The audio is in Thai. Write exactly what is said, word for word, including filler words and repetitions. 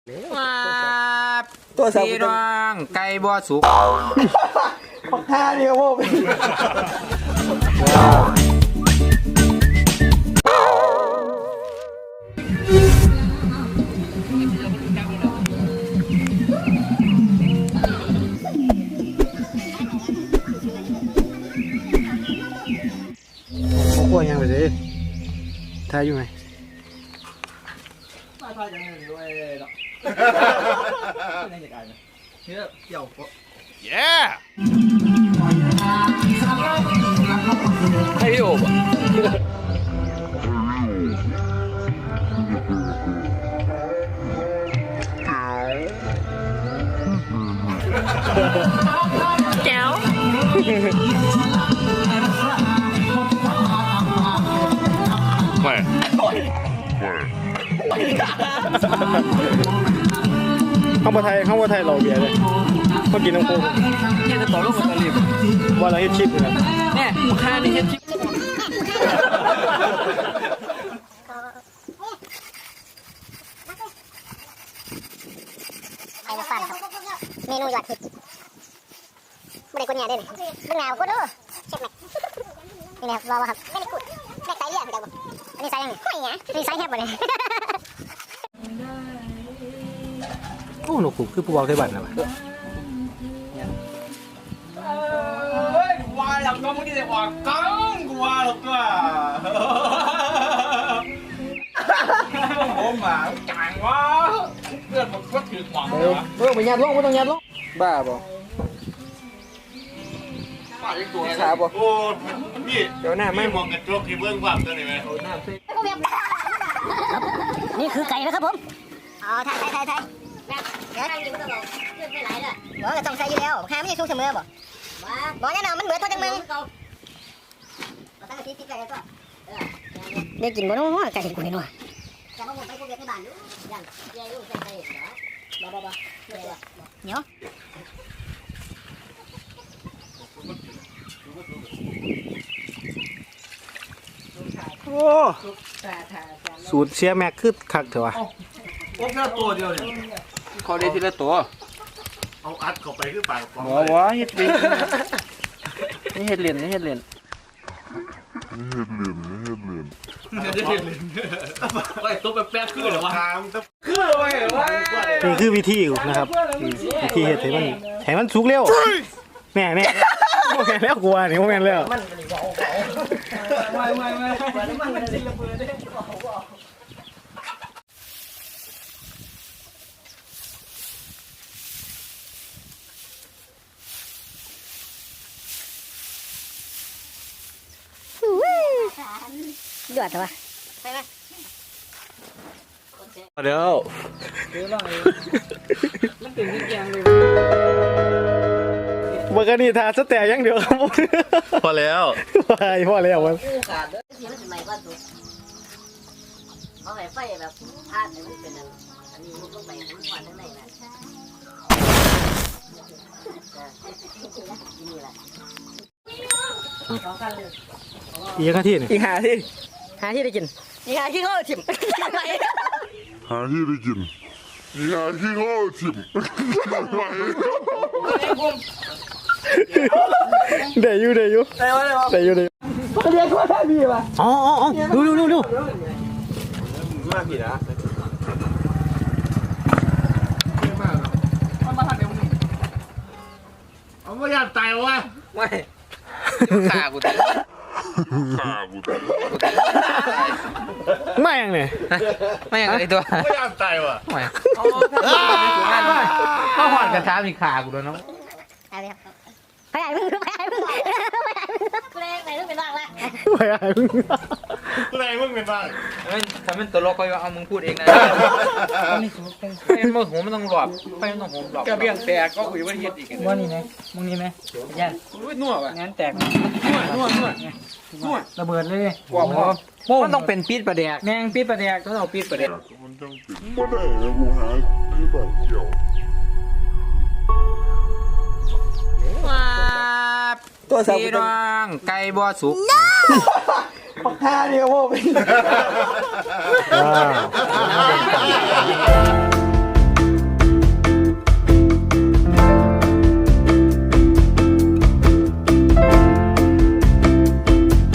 ว้าตัวพี่น้องไก่บ่สุกปักท่านี่ครับผมเขากลัวยังไปสิทายอยู่ไหมทายทายยังไงด้วยเนาะนี่จะกลายนะเนี่ยเกี่ยวก็เย้ให้พี่โอบแก้วไม่ข้าวบะไทยข้าวบะไทยเราเบียร์เลยเขากินน้ำโค้งเนี่ยจะต่อลูกมันตะลิบว่าเราเฮ็ดชิปเลยเนี่ยข้านี่เฮ็ดชิปไอ้มาฟันครับเมนูยอดฮิตไม่ได้กุญแจด้วยนี่เบื้องหน้ากูดูเช็คไหมนี่นะครับรอวะครับไม่ได้กุดแม่ไซส์เลือดเดี๋ยวอันนี้ไซส์ยังไงไม่ไงนี่ไซส์แคบหมดเลยโอ้หนูกูคือผู้บ่าวไทยบ้านนะเฮ้ยกูว่าหลังก็มึงที่จะว่ากังกูว่าหรอกตัวโอ้หมาจ่างวะเพื่อนมันก็ถือหวังเลยวะเออไปยัดลงไม่ต้องยัดลงบ้าบ่ขาบ่โอ้นี่เดี๋ยวหน้าไม่มองกระจกที่เบื้องความตัวนี้ไหมนี่คือไก่นะครับผมอ๋อไทยไทยไทยไทยเดี๋ยวกินก็ต้องเลือดไม่ไหลเลยบอกว่าต้องใส่อยู่แล้วข้าไม่ได้สู้เสมอบ่บอกแน่นอนมันเหมือนตัวจังมึงได้กินบ่น้องไก่กูนี่น้อยจะมาผมไปกูเวียดในบ้านดูยังยายลูกใส่ไก่เหรอบ่บ่บ่เหนียวโอ้สูตรเชียร์แม็กคือคักเถอะวะโอ้แค่ตัวเดียวเนี่ยเขาได้ทีละตัวเอาอัดเข้าไปคือปากปองหัววะเฮ็ดเลียนนี่เฮ็ดเลียนนี่เฮ็ดเลียนเฮ็ดเลียนไอ้ตัวแป๊บๆคือเหรอวะคือเหรอวะนี่คือวิธีนะครับวิธีเฮ็ดให้มันให้มันสุกเร็วแม่แม่โมแมนแล้วกลัวนี่โมแมนแล้วไม่ไม่ไม่มันมันจะระเบิดได้เดือดเหรอวะเดี๋ยวมันเป็นวิญญาณเลยเบอร์กันนี่ทาสแต่ยังเดียวครับผมพอแล้วไปพอแล้วมันขาดเลยเสียงมันเป็นไม้บ้านตัวเขาไฟไฟแบบพาดเนี่ยมันเป็นอันนี้มันลงไปมันควันข้างในนะนี่แหละอีกนาทีนี่อีกหาที่หาที่ได้กินอีกหาที่เขาชิมหาที่ได้กินหาที่เขาชิมเดี๋ยวอยู่เดี๋ยวอยู่เดี๋ยวอยู่เดี๋ยวเรียกว่าท่าดีป่ะอ๋ออ๋อดูดูดูดูมากผิดนะเอาไม่อยากตายวะไม่ขากูตายขากูตายไม่ยังเนี่ยไม่ยังไอตัวไม่อยากตายวะไม่เข้าหอดกระทะมีขากูด้วยน้องไปไหนมึงไปไหนมึงไปไหนมึงกูเล่นไหนมึงเป็นบ้างละไปไหนมึงกูเลยมึงเป็นบ้างถ้ามันตัวโลกก็เอามึงพูดเองนะไอ้เมื่อหัวมันต้องหลบไฟมันต้องหัวหลบกระเบี้ยงแตกก็คุยว่าเฮ็ดอีกว่านี่ไหมมึงนี่ไหมยันนัวป่ะงั้นแตกนัวนัวนัวระเบิดเลยกว่าพอมันต้องเป็นปี๊ดประแดกแมงปี๊ดประแดกต้องเอาปี๊ดประแดกมันต้องเป็นไม่ได้นะกูหาไม่แบบเกี่ยวตัวพี่น้องไก่บ่สุกปักท่านี่ครับผม